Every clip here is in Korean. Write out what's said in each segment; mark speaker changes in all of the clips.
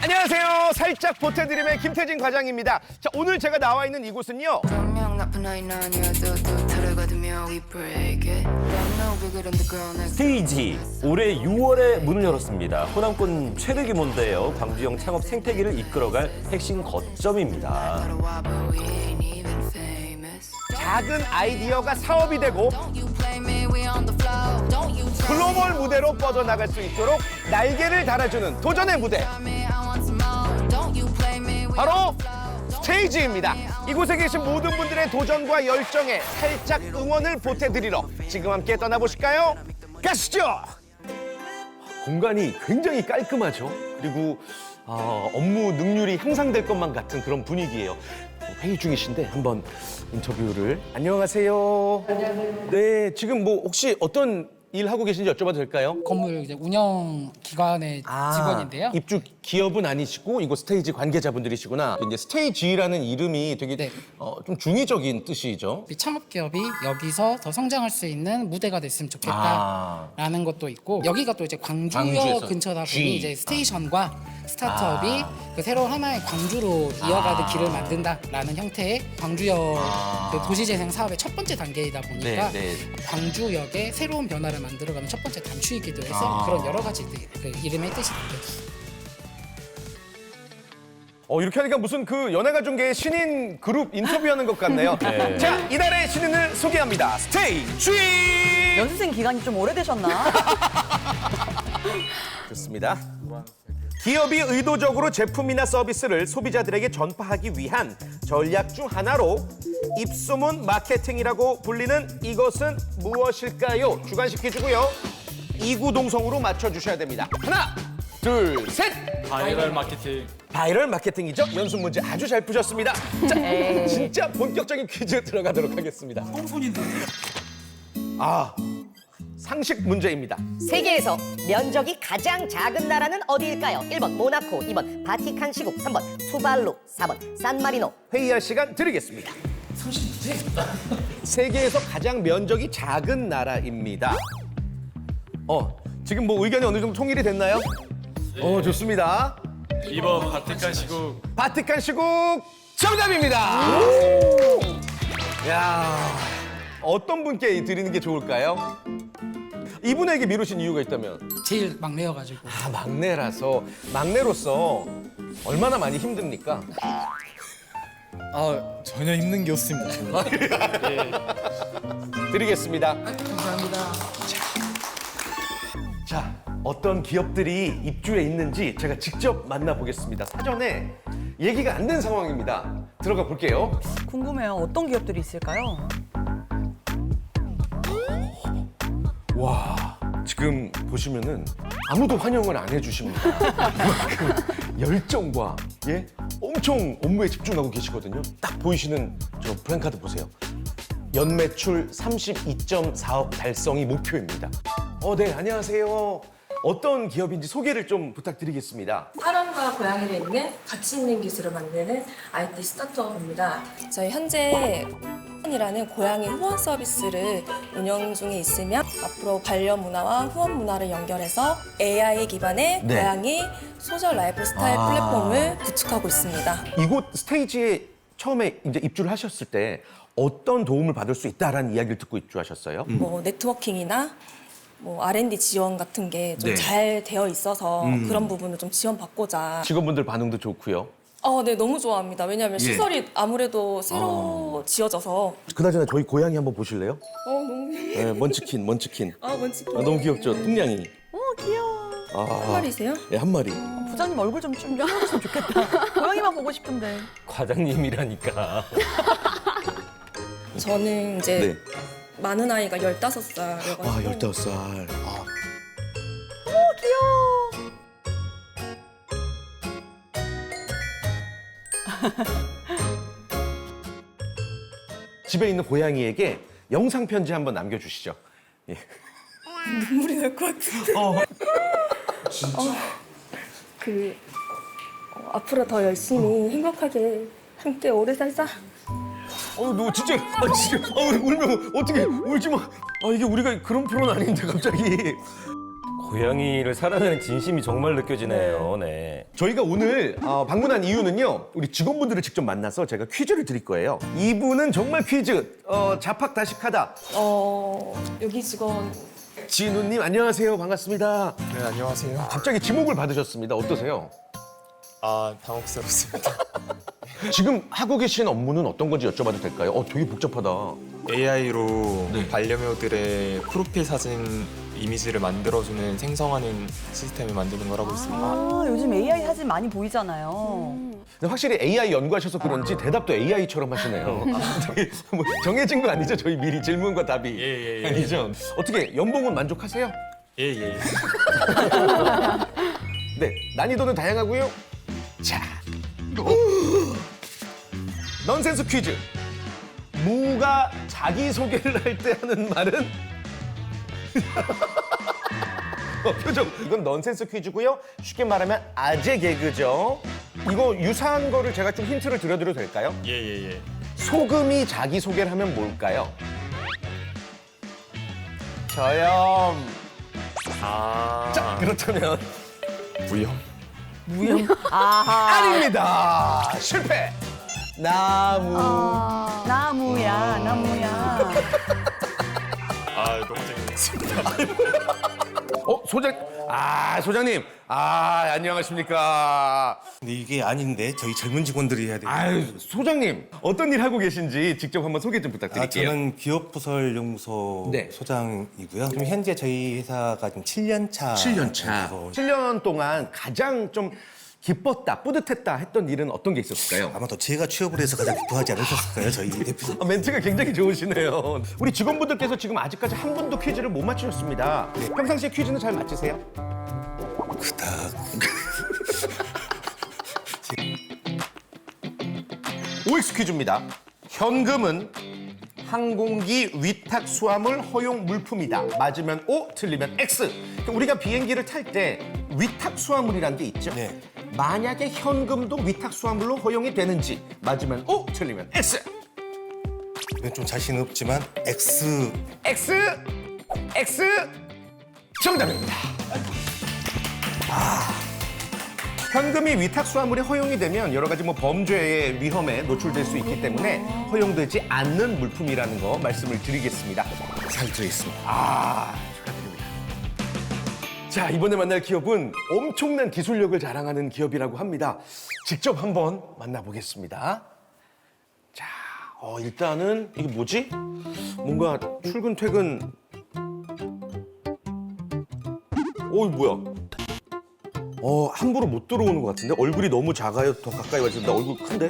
Speaker 1: 안녕하세요. 살짝 보태드림의 김태진 과장입니다. 자, 오늘 제가 나와 있는 이곳은요.
Speaker 2: 스테이지 올해 6월에 문을 열었습니다. 호남권 최대 규모인데요. 광주형 창업 생태계를 이끌어갈 핵심 거점입니다.
Speaker 1: 작은 아이디어가 사업이 되고 글로벌 무대로 뻗어나갈 수 있도록 날개를 달아주는 도전의 무대. 바로 스테이지입니다. 이곳에 계신 모든 분들의 도전과 열정에 살짝 응원을 보태드리러 지금 함께 떠나보실까요? 가시죠! 공간이 굉장히 깔끔하죠. 그리고 업무 능률이 향상될 것만 같은 그런 분위기예요. 회의 중이신데 한번 인터뷰를. 안녕하세요. 안녕하세요. 네, 지금 뭐 혹시 어떤 일 하고 계신지 여쭤봐도 될까요?
Speaker 3: 건물 이제 운영 기관의 직원인데요.
Speaker 1: 입주 기업은 아니시고 이거 스테이지 관계자분들이시구나. 이제 스테이지라는 이름이 되게
Speaker 3: 네.
Speaker 1: 좀 중의적인 뜻이죠.
Speaker 3: 우리 창업 기업이 여기서 더 성장할 수 있는 무대가 됐으면 좋겠다라는 것도 있고, 여기가 또 이제
Speaker 1: 광주에서.
Speaker 3: 광주역 근처다
Speaker 1: G.
Speaker 3: 보니 이제 스테이션과 스타트업이 그 새로운 하나의 광주로 이어가는 길을 만든다라는 형태의 광주역 그 도시재생 사업의 첫 번째 단계이다 보니까
Speaker 1: 네.
Speaker 3: 광주역의 새로운 변화를 만들어가는 첫 번째 단추이기도 해서 그런 여러 가지 그 이름의 뜻이 담겨있어요.
Speaker 1: 이렇게 하니까 무슨 그 연예가중계의 신인 그룹 인터뷰하는 것 같네요.
Speaker 2: 네.
Speaker 1: 자, 이달의 신인을 소개합니다. 스테이지!
Speaker 4: 연수생 기간이 좀 오래되셨나?
Speaker 1: 좋습니다. 기업이 의도적으로 제품이나 서비스를 소비자들에게 전파하기 위한 전략 중 하나로 입소문 마케팅이라고 불리는 이것은 무엇일까요? 주관식해주고요. 이구동성으로 맞춰주셔야 됩니다. 하나, 둘, 셋!
Speaker 5: 바이럴 마케팅.
Speaker 1: 바이럴 마케팅이죠? 연습 문제 아주 잘 푸셨습니다. 자, 진짜 본격적인 퀴즈 들어가도록 하겠습니다. 상식 문제입니다.
Speaker 6: 세계에서 면적이 가장 작은 나라는 어디일까요? 1번 모나코, 2번 바티칸 시국, 3번 투발루, 4번 산마리노.
Speaker 1: 회의할 시간 드리겠습니다. 세계에서 가장 면적이 작은 나라입니다. 지금 뭐 의견이 어느 정도 통일이 됐나요? 좋습니다.
Speaker 5: 2번 바티칸 시국.
Speaker 1: 바티칸 시국 정답입니다. 야, 어떤 분께 드리는 게 좋을까요? 이분에게 미루신 이유가 있다면?
Speaker 3: 제일 막내여가지고.
Speaker 1: 막내로서 얼마나 많이 힘듭니까?
Speaker 5: 전혀 힘든 게 없습니다.
Speaker 1: 드리겠습니다.
Speaker 3: 감사합니다.
Speaker 1: 자, 어떤 기업들이 입주해 있는지 제가 직접 만나보겠습니다. 사전에 얘기가 안 된 상황입니다. 들어가 볼게요.
Speaker 4: 궁금해요. 어떤 기업들이 있을까요?
Speaker 1: 와, 지금 보시면은 아무도 환영을 안 해주십니다. 그만큼 열정과 엄청 업무에 집중하고 계시거든요. 딱 보이시는 저 브랜카드 보세요. 연매출 32.4억 달성이 목표입니다. 네, 안녕하세요. 어떤 기업인지 소개를 좀 부탁드리겠습니다.
Speaker 7: 사람과 고양이를 잇는 가치 있는 기술을 만드는 IT 스타트업입니다. 저희 현재 이라는 고양이 후원 서비스를 운영 중에 있으며 앞으로 반려 문화와 후원 문화를 연결해서 AI 기반의
Speaker 1: 네.
Speaker 7: 고양이 소셜 라이프스타일 플랫폼을 구축하고 있습니다.
Speaker 1: 이곳 스테이지에 처음에 이제 입주를 하셨을 때 어떤 도움을 받을 수 있다라는 이야기를 듣고 입주하셨어요?
Speaker 7: 뭐 네트워킹이나 뭐 R&D 지원 같은 게 좀 잘 되어 있어서 그런 부분을 좀 지원받고자.
Speaker 1: 직원분들 반응도 좋고요.
Speaker 7: 네, 너무 좋아합니다. 왜냐하면 시설이 아무래도 새로 지어져서.
Speaker 1: 그나저나 저희 고양이 한번 보실래요?
Speaker 7: 너무.
Speaker 1: 네, 먼치킨.
Speaker 7: 먼치킨.
Speaker 1: 너무 귀엽죠? 뚱냥이.
Speaker 4: 귀여워.
Speaker 7: 한 마리세요?
Speaker 1: 네, 한 마리.
Speaker 4: 부장님 얼굴 좀 띄워줬으면 좋겠다. 고양이만 보고 싶은데.
Speaker 2: 과장님이라니까.
Speaker 7: 저는 이제
Speaker 1: 네.
Speaker 7: 많은 아이가 15살이어가지고
Speaker 1: 15살.
Speaker 4: 귀여워.
Speaker 1: 집에 있는 고양이에게 영상 편지 한번 남겨주시죠. 예.
Speaker 7: 눈물이 날 것 같은데. 앞으로 더 열심히 행복하게 함께 오래 살자.
Speaker 1: 너 진짜, 울면 어떻게 울지 마. 이게 우리가 그런 프로는 아닌데 갑자기.
Speaker 2: 고양이를 사랑하는 진심이 정말 느껴지네요. 네.
Speaker 1: 저희가 오늘 방문한 이유는요. 우리 직원분들을 직접 만나서 제가 퀴즈를 드릴 거예요. 이분은 정말 퀴즈 자팍다식하다.
Speaker 7: 여기 직원
Speaker 1: 진우님 안녕하세요. 반갑습니다.
Speaker 5: 네, 안녕하세요.
Speaker 1: 갑자기 지목을 받으셨습니다. 어떠세요?
Speaker 5: 아, 당혹스럽습니다.
Speaker 1: 지금 하고 계신 업무는 어떤 건지 여쭤봐도 될까요? 되게 복잡하다.
Speaker 5: AI로
Speaker 1: 네.
Speaker 5: 반려묘들의 프로필 사진 이미지를 만들어주는 생성하는 시스템을 만드는 걸 하고 있습니다.
Speaker 4: 아, 요즘 AI 사진 많이 보이잖아요.
Speaker 1: 근데 확실히 AI 연구하셔서 그런지 대답도 AI처럼 하시네요. 되게 뭐 정해진 거 아니죠? 저희 미리 질문과 답이.
Speaker 5: 예.
Speaker 1: 아니죠? 어떻게 연봉은 만족하세요?
Speaker 5: 예.
Speaker 1: 네, 난이도는 다양하고요. 자, 넌센스 퀴즈. 무가 자기소개를 할 때 하는 말은? 표정. 이건 넌센스 퀴즈고요. 쉽게 말하면 아재 개그죠. 이거 유사한 거를 제가 좀 힌트를 드려드려도 될까요?
Speaker 5: 예.
Speaker 1: 소금이 자기소개를 하면 뭘까요? 저염. 자, 그렇다면
Speaker 5: 무형.
Speaker 1: 아닙니다. 실패. 나무.
Speaker 4: 나무야.
Speaker 5: 아, 너무 재밌습니다.
Speaker 1: 소장님. 안녕하십니까.
Speaker 8: 근데 이게 아닌데 저희 젊은 직원들이 해야 돼요.
Speaker 1: 아유, 소장님. 어떤 일 하고 계신지 직접 한번 소개 좀
Speaker 8: 아,
Speaker 1: 부탁드릴게요.
Speaker 8: 저는 기업부설연구소
Speaker 1: 네.
Speaker 8: 소장이고요. 지금 현재 저희 회사가 지금 7년 차.
Speaker 1: 7년 동안 가장 좀 기뻤다, 뿌듯했다 했던 일은 어떤 게 있었을까요?
Speaker 8: 아마도 제가 취업을 해서 가장 기뻐하지 않으셨을까요, 저희 대표님.
Speaker 1: 멘트가 굉장히 좋으시네요. 우리 직원분들께서 지금 아직까지 한 번도 퀴즈를 못 맞추셨습니다. 평상시에 퀴즈는 잘 맞히세요?
Speaker 8: 그닥.
Speaker 1: OX 퀴즈입니다. 현금은 항공기 위탁 수화물 허용 물품이다. 맞으면 O, 틀리면 X. 우리가 비행기를 탈 때 위탁 수화물이라는 게 있죠?
Speaker 8: 네.
Speaker 1: 만약에 현금도 위탁 수화물로 허용이 되는지 맞으면 O, 틀리면 X.
Speaker 8: 이건 좀 자신 없지만 X.
Speaker 1: X 정답입니다. 현금이 위탁 수화물에 허용이 되면 여러 가지 범죄의 위험에 노출될 수 있기 때문에 허용되지 않는 물품이라는 거 말씀을 드리겠습니다. 잘 들어있습니다. 축하드립니다. 자, 이번에 만날 기업은 엄청난 기술력을 자랑하는 기업이라고 합니다. 직접 한번 만나보겠습니다. 자, 일단은 이게 뭐지? 뭔가 출근 퇴근. 이거 뭐야? 함부로 못 들어오는 것 같은데? 얼굴이 너무 작아요? 더 가까이 와주는데 얼굴 큰데?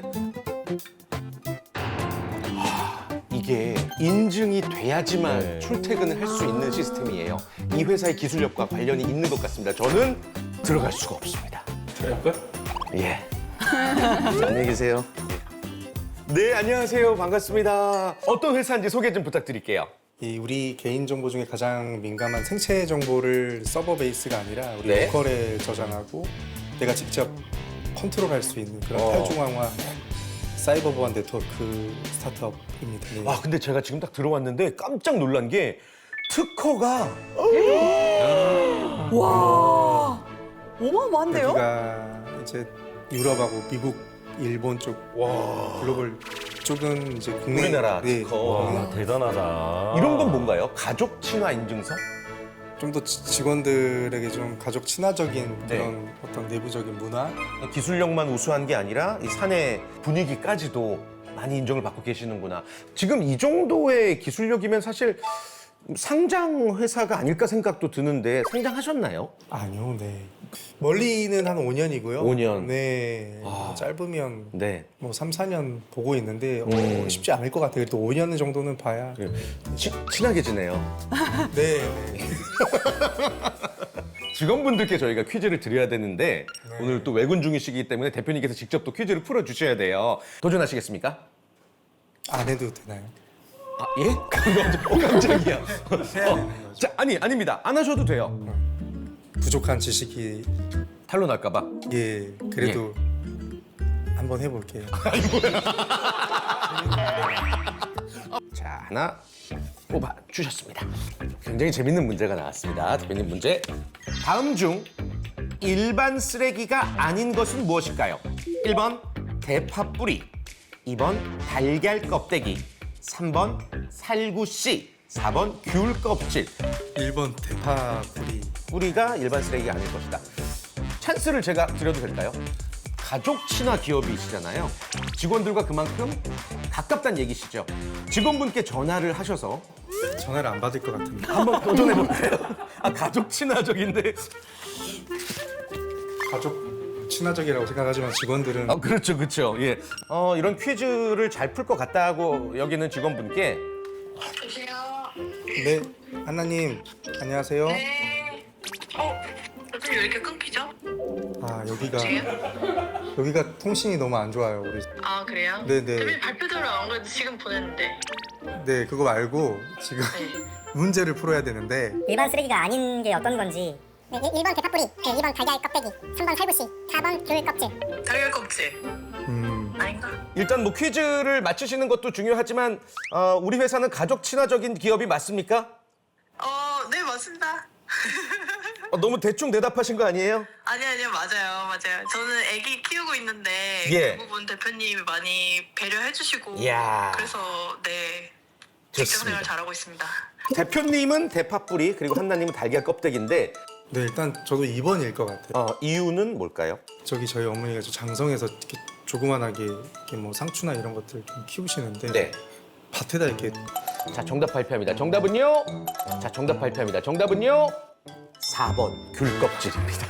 Speaker 1: 이게 인증이 돼야지만
Speaker 2: 네.
Speaker 1: 출퇴근을 할 수 있는 시스템이에요. 이 회사의 기술력과 관련이 있는 것 같습니다. 저는 들어갈 수가 없습니다.
Speaker 5: 들어갈까요?
Speaker 1: 예. 안녕히 계세요. 네, 안녕하세요. 반갑습니다. 어떤 회사인지 소개 좀 부탁드릴게요.
Speaker 9: 이 우리 개인 정보 중에 가장 민감한 생체 정보를 서버 베이스가 아니라 우리
Speaker 1: 네.
Speaker 9: 로컬에 저장하고 내가 직접 컨트롤할 수 있는 그런 탈중앙화 사이버 보안 네트워크 스타트업입니다. 네.
Speaker 1: 와, 근데 제가 지금 딱 들어왔는데 깜짝 놀란 게 특허가
Speaker 4: 와, 어마어마한데요?
Speaker 9: 여기가 이제 유럽하고 미국, 일본 쪽 글로벌 쪽은 이제 국내
Speaker 1: 우리나라
Speaker 9: 네.
Speaker 1: 특허.
Speaker 2: 와, 대단하다.
Speaker 1: 이런 건 뭔가요? 가족 친화 인증서?
Speaker 9: 좀 더 직원들에게 좀 가족 친화적인
Speaker 1: 네.
Speaker 9: 그런 어떤 내부적인 문화
Speaker 1: 기술력만 우수한 게 아니라 이 사내 분위기까지도 많이 인정을 받고 계시는구나. 지금 이 정도의 기술력이면 사실 상장 회사가 아닐까 생각도 드는데 상장하셨나요?
Speaker 9: 아니요, 네. 멀리는 한 5년이고요.
Speaker 1: 5년.
Speaker 9: 네. 짧으면
Speaker 1: 네.
Speaker 9: 뭐 3, 4년 보고 있는데 쉽지 않을 것 같아요. 그래도 5년 정도는 봐야.
Speaker 1: 친하게 지내요.
Speaker 9: 네.
Speaker 1: 직원분들께 저희가 퀴즈를 드려야 되는데 오늘 또 외근 중이시기 때문에 대표님께서 직접 또 퀴즈를 풀어주셔야 돼요. 도전하시겠습니까?
Speaker 9: 안 해도 되나요?
Speaker 1: 예? 깜짝이야. 자, 아닙니다. 안 하셔도 돼요.
Speaker 9: 부족한 지식이
Speaker 1: 탈로 날까봐.
Speaker 9: 예, 그래도 한번 해볼게요.
Speaker 1: 자, 하나 뽑아 주셨습니다. 굉장히 재밌는 문제가 나왔습니다. 대표님 문제. 다음 중 일반 쓰레기가 아닌 것은 무엇일까요? 1번 대파 뿌리, 2번 달걀 껍데기, 3번 살구씨, 4번 귤 껍질.
Speaker 9: 1번 대파 뿌리.
Speaker 1: 뿌리가 일반 쓰레기가 아닐 것이다. 찬스를 제가 드려도 될까요? 가족 친화 기업이시잖아요. 직원들과 그만큼 가깝다는 얘기시죠. 직원분께 전화를 하셔서
Speaker 9: 전화를 안 받을 것 같은데.
Speaker 1: 한번 도전해볼까요? 아, 가족 친화적인데.
Speaker 9: 가족 친화적이라고 생각하지만 직원들은
Speaker 1: 아, 그렇죠, 그렇죠. 예. 이런 퀴즈를 잘 풀 것 같다고 여기는 직원분께
Speaker 9: 네, 하나님 안녕하세요.
Speaker 10: 네. 어떻게 왜 이렇게 끊기죠?
Speaker 9: 아, 여기가 통신이 너무 안 좋아요. 우리.
Speaker 10: 아, 그래요?
Speaker 9: 네네.
Speaker 10: 대표님 발표대로 안 그래도 지금 보냈는데.
Speaker 9: 네, 그거 말고 지금
Speaker 10: 네.
Speaker 9: 문제를 풀어야 되는데
Speaker 6: 일반 쓰레기가 아닌 게 어떤 건지.
Speaker 11: 네, 1번 대파뿌리, 2번 달걀 껍데기, 3번 살구씨, 4번 귤 껍질.
Speaker 10: 달걀 껍질. 아닌가?
Speaker 1: 일단 뭐 퀴즈를 맞추시는 것도 중요하지만 우리 회사는 가족 친화적인 기업이 맞습니까?
Speaker 10: 네, 맞습니다.
Speaker 1: 너무 대충 대답하신 거 아니에요?
Speaker 10: 아니요, 맞아요. 저는 아기 키우고 있는데
Speaker 1: 예.
Speaker 10: 그 부분 대표님이 많이 배려해주시고
Speaker 1: 이야.
Speaker 10: 그래서 네,
Speaker 1: 좋습니다.
Speaker 10: 직장생활 잘하고 있습니다.
Speaker 1: 대표님은 대파뿌리 그리고 한나님은 달걀 껍데기인데
Speaker 9: 네, 일단 저도 2번일 것 같아요.
Speaker 1: 이유는 뭘까요?
Speaker 9: 저기 저희 어머니가 저 장성에서 이렇게 조그만하게 이렇게 뭐 상추나 이런 것들 좀 키우시는데
Speaker 1: 네.
Speaker 9: 밭에다 이렇게
Speaker 1: 자, 정답 발표합니다. 정답은요? 자, 정답 발표합니다. 정답은요? 4번 귤 껍질입니다.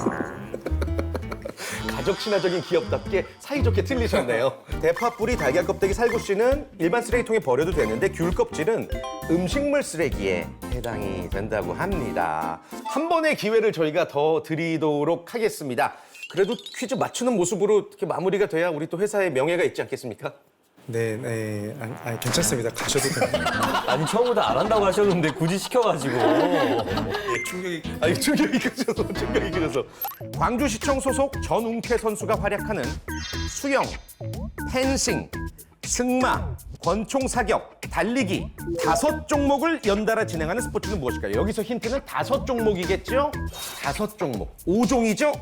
Speaker 1: 가족 친화적인 기업답게 사이좋게 틀리셨네요. 대파 뿌리, 달걀 껍데기, 살구씨는 일반 쓰레기통에 버려도 되는데 귤 껍질은 음식물 쓰레기에 해당이 된다고 합니다. 한 번의 기회를 저희가 더 드리도록 하겠습니다. 그래도 퀴즈 맞추는 모습으로 이렇게 마무리가 돼야 우리 또 회사의 명예가 있지 않겠습니까?
Speaker 9: 네, 아니 괜찮습니다. 가셔도 됩니다.
Speaker 2: 아니 처음부터 안 한다고 하셨는데 굳이 시켜가지고.
Speaker 9: 충격이
Speaker 1: 아니, 충격이 크셔서, 충격이 크셔서. 광주시청 소속 전웅태 선수가 활약하는 수영, 펜싱, 승마, 권총 사격, 달리기 5종목을 연달아 진행하는 스포츠는 무엇일까요? 여기서 힌트는 5종목이겠죠? 5종목. 5종이죠?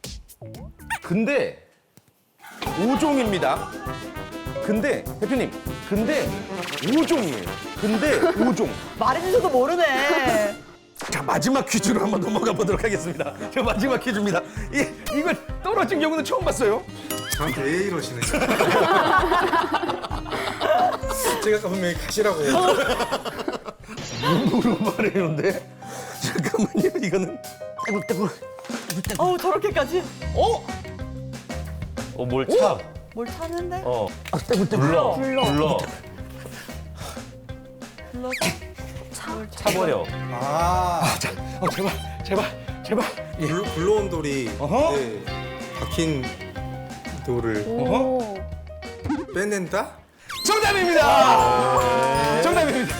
Speaker 1: 근데 5종입니다. 근데 대표님, 근데 5종이에요. 근데 5종.
Speaker 4: 말해주셔도 모르네.
Speaker 1: 자, 마지막 퀴즈로 한번 넘어가 보도록 하겠습니다. 저 마지막 퀴즈입니다. 이걸 떨어진 경우는 처음 봤어요.
Speaker 9: 저한테 왜 이러시는 거예요? 제가 아까 분명히 가시라고.
Speaker 1: 눈으로 말해요인데 잠깐만요. 이거는 떼굴떼굴.
Speaker 4: 저렇게까지?
Speaker 2: 뭘 차?
Speaker 4: 뭘 찾는데?
Speaker 2: 불러. 차버려.
Speaker 1: 제발.
Speaker 9: 굴러온 돌이
Speaker 1: 어허.
Speaker 9: 네, 박힌 돌을 빼낸다?
Speaker 1: 정답입니다. 정답입니다.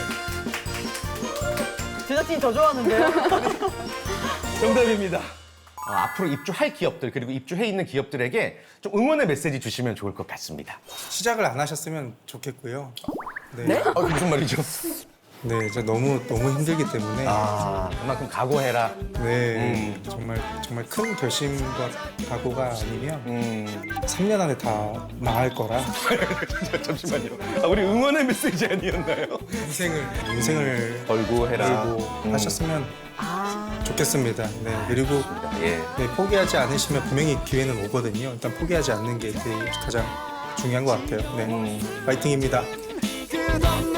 Speaker 4: 제작진이 더 좋아하는데요?
Speaker 1: 정답입니다. 앞으로 입주할 기업들 그리고 입주해 있는 기업들에게 좀 응원의 메시지 주시면 좋을 것 같습니다.
Speaker 9: 시작을 안 하셨으면 좋겠고요. 네?
Speaker 1: 무슨 말이죠?
Speaker 9: 네, 진짜 너무 힘들기 때문에
Speaker 1: 그만큼 각오해라.
Speaker 9: 네, 정말 큰 결심과 각오가 아니면 3년 안에 다 망할 거라
Speaker 1: 잠시만요. 우리 응원의 메시지 아니었나요?
Speaker 9: 인생을
Speaker 1: 걸고 해라.
Speaker 9: 걸고 하셨으면 좋겠습니다. 네, 그리고
Speaker 1: 예.
Speaker 9: 네, 포기하지 않으시면 분명히 기회는 오거든요. 일단 포기하지 않는 게 가장 중요한 것 같아요. 네, 파이팅입니다.
Speaker 1: 끝없는